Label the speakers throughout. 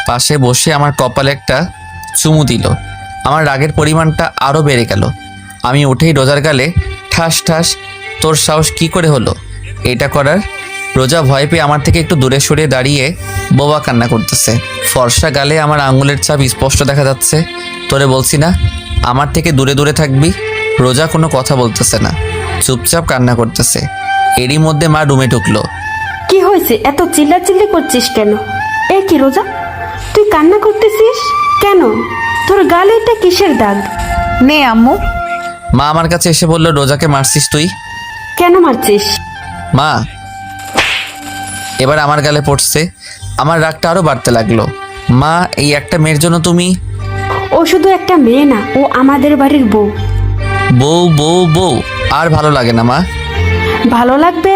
Speaker 1: পাশে বসে আমার কপালে একটা চুমু দিল। আমার রাগের পরিমাণটা আরও বেড়ে গেল। আমি উঠেই রোজার গালে ঠাস ঠাস, তোর সাহস কি করে হলো এটা করার? রোজা ভয় পেয়ে আমার থেকে একটু দূরে সরিয়ে দাঁড়িয়ে বোবা কান্না করতেছে। ফর্সা গালে আমার আঙুলের ছাপ স্পষ্ট দেখা যাচ্ছে। তোরে বলছি না আমার থেকে দূরে দূরে থাকবি। রোজা কোনো কথা বলতেছে না, চুপচাপ কান্না করতেছে। এরই মধ্যে মা রুমে ঢুকলো।
Speaker 2: কি হয়েছে, এত চিল্লাচিল্লি করছিস কেন? এ কি রোজা, তুই কান্না করতেছিস কেন? তোর গালে এটা কিসের দাগ?
Speaker 3: নে আম্মু।
Speaker 1: মা আমার কাছে এসে বলল, রোজাকে মারছিস তুই?
Speaker 2: কেন মারছিস?
Speaker 1: মা এবার আমার গালে পড়ছে। আমার রাগটা আরো বাড়তে লাগলো। মা, এই একটা মেয়ের জন্য তুমি?
Speaker 2: ও শুধু একটা মেয়ে না, ও আমাদের বাড়ির বউ।
Speaker 1: বউ বউ বউ আর ভালো লাগে না মা।
Speaker 2: ভালো লাগবে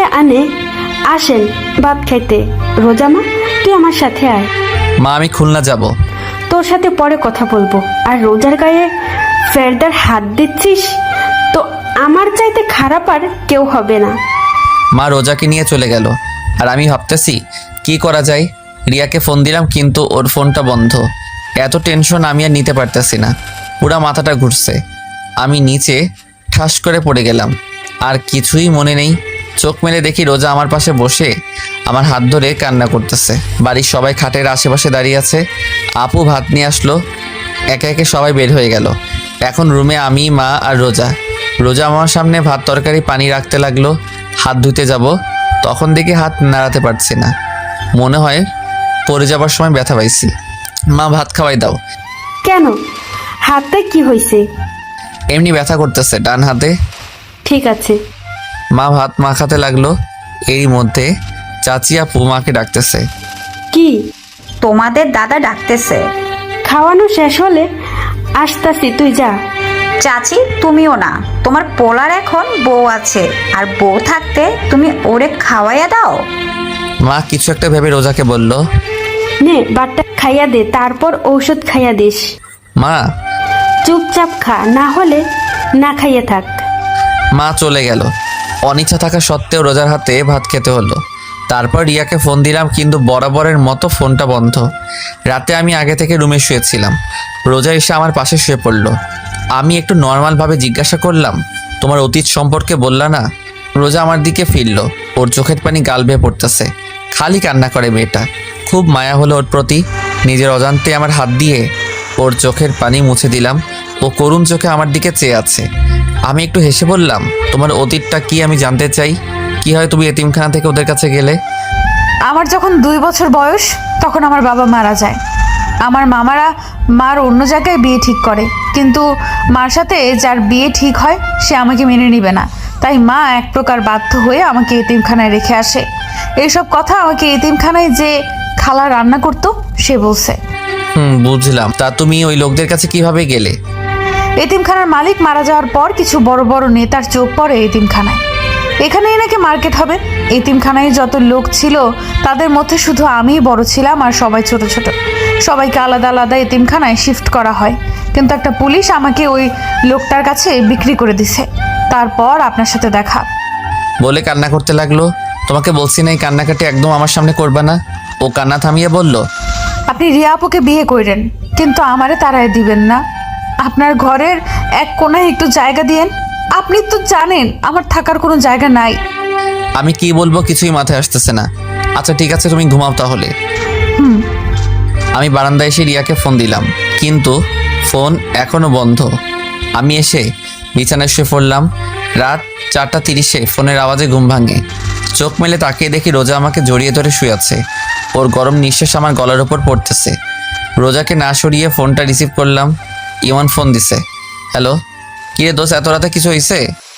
Speaker 2: আসেন ভাত খাইতে। রোজা মা, তুই আমার সাথে আয়।
Speaker 1: মা আমি খুলনা যাব।
Speaker 2: তোর সাথে পরে কথা বলবো। আর রোজার গায়ে ফেরদার হাত দিচ্ছিস তো আমার চাইতে খারাপ আর কেউ হবে না।
Speaker 1: মা রোজাকে নিয়ে চলে গেল। আর আমি ভাবতেছি কি করা যায়। রিয়াকে ফোন দিলাম কিন্তু ওর ফোনটা বন্ধ। এত টেনশন আমি আর নিতে পারতেছি না, পুরা মাথাটা ঘুরছে। আমি নিচে ঠাস করে পড়ে গেলাম, আর কিছুই মনে নেই। চোখ মেলে দেখি রোজা আমার পাশে বসে আমার হাত ধরে কান্না করতেছে। বাড়ির সবাই খাটের আশেপাশে দাঁড়িয়ে আছে। আপু ভাত নিয়ে আসলো। একে একে সবাই বের হয়ে গেল। এখন রুমে আমি, মা আর রোজা। রোজা আমার সামনে ভাত তরকারি পানি রাখতে লাগলো। হাত ধুতে যাব, তখন দেখি হাত নাড়াতে পারছি না। মনে হয় পড়ে যাবার সময় ব্যথা পাইছি। মা ভাত খাওয়াই দাও।
Speaker 2: কেন, হাতে কি হয়েছে?
Speaker 1: এমনি ব্যথা করতেছে ডান হাতে।
Speaker 2: ঠিক আছে।
Speaker 1: মা ভাত মাখাতে লাগলো। এরই মধ্যে চাচি আপু মাকে ডাকতেছে।
Speaker 2: কি?
Speaker 3: তোমাদের দাদা ডাকতেছে।
Speaker 2: খাওয়ানো শেষ হলে আসতাছি, তুই যা।
Speaker 3: চাচি তুমিও না, তোমার পোলার এখন বউ আছে, আর বউ থাকতে তুমি ওরে খাওয়াইয়া দাও।
Speaker 1: মা কিছু একটা ভেবে রোজাকে বলল,
Speaker 2: নে বাটটা খাইয়া দে, তারপর ঔষধ খাইয়া দিস।
Speaker 1: মা।
Speaker 2: চুপচাপ খা, না হলে না খাইয়ে থাক।
Speaker 1: মা চলে গেল। অনিচ্ছা থাকা সত্ত্বেও রোজার হাতে ভাত খেতে হলো। তারপর রিয়াকে ফোন দিলাম কিন্তু বরাবরের মতো ফোনটা বন্ধ। রাতে আমি আগে থেকে রুমে শুয়েছিলাম। রোজা এসে আমার পাশে শুয়ে পড়ল। আমি একটু নর্মালভাবে জিজ্ঞাসা করলাম, তোমার অতীত সম্পর্কে বললা না? রোজা আমার দিকে ফিরল। ওর চোখের পানি গাল বেয়ে পড়তেছে। খালি কান্না করে মেয়েটা। খুব মায়া হলো ওর প্রতি। নিজের অজান্তে আমার হাত দিয়ে ওর চোখের পানি মুছে দিলাম। ও করুণ চোখে আমার দিকে চেয়ে আছে। আমি একটু হেসে বললাম, তোমার অতীতটা কি আমি জানতে চাই। কি হয় তুমি এতিমখানা থেকে ওদের কাছে গেলে?
Speaker 4: আমার যখন 2 বছর বয়স তখন আমার বাবা মারা যায়। আমার মামারা মার অন্য জায়গায় বিয়ে ঠিক করে, কিন্তু মার সাথে যার বিয়ে ঠিক হয় সে আমাকে মেনে নেবে না। তাই মা এক প্রকার বাধ্য হয়ে আমাকে এতিমখানায় রেখে আসে। এইসব কথা আমাকে এতিমখানায় যে খালা রান্না করতো সে বলছে।
Speaker 1: বুঝলাম। তা তুমি ওই লোকদের কাছে কিভাবে গেলে?
Speaker 4: এতিমখানার মালিক মারা যাওয়ার পর কিছু বড় বড় নেতার চোখ পড়ে এতিমখানায়। এখানেই নাকি মার্কেট হবে। এতিমখানায় যত লোক ছিল তাদের মধ্যে শুধু আমিই বড় ছিলাম, আর সবাই ছোট ছোট। সবাইকে আলাদা আলাদা এতিমখানায় শিফট করা হয়, কিন্তু একটা পুলিশ আমাকে ওই লোকটার কাছে বিক্রি করে দিছে। তারপর আপনার সাথে দেখা।
Speaker 1: বলে কান্না করতে লাগলো। তোমাকে বলছি না এই কান্নাকাটি একদম আমার সামনে করবে না। ও কান্না থামিয়ে বলল,
Speaker 4: আপনি রিয়া আপুকে বিয়ে করেন, কিন্তু আমারে তাড়ায় দিবেন না। আপনার ঘরের এক কোনায় একটু জায়গা দিয়েন। আপনি তো জানেন আমার থাকার কোনো জায়গা নাই।
Speaker 1: আমি কি বলবো কিছুই মাথায় আসতেছে না। আচ্ছা ঠিক আছে, তুমি ঘুমাও তাহলে। আমি বারান্দায় এসে রিয়াকে ফোন দিলাম, কিন্তু ফোন এখনো বন্ধ। আমি এসে বিছানায় শুয়ে পড়লাম। রাত 4:30-এ ফোনের আওয়াজে ঘুম ভাঙে। চোখ মেলে তাকিয়ে দেখি রোজা আমাকে জড়িয়ে ধরে শুয়ে আছে। ওর গরম নিঃশ্বাস আমার গলার ওপর পড়তেছে। রোজাকে না সরিয়ে ফোনটা রিসিভ করলাম। ইমন ফোন দিছে। হ্যালো, কিরে দোস্ত, এত রাতে কিছু হয়েছে?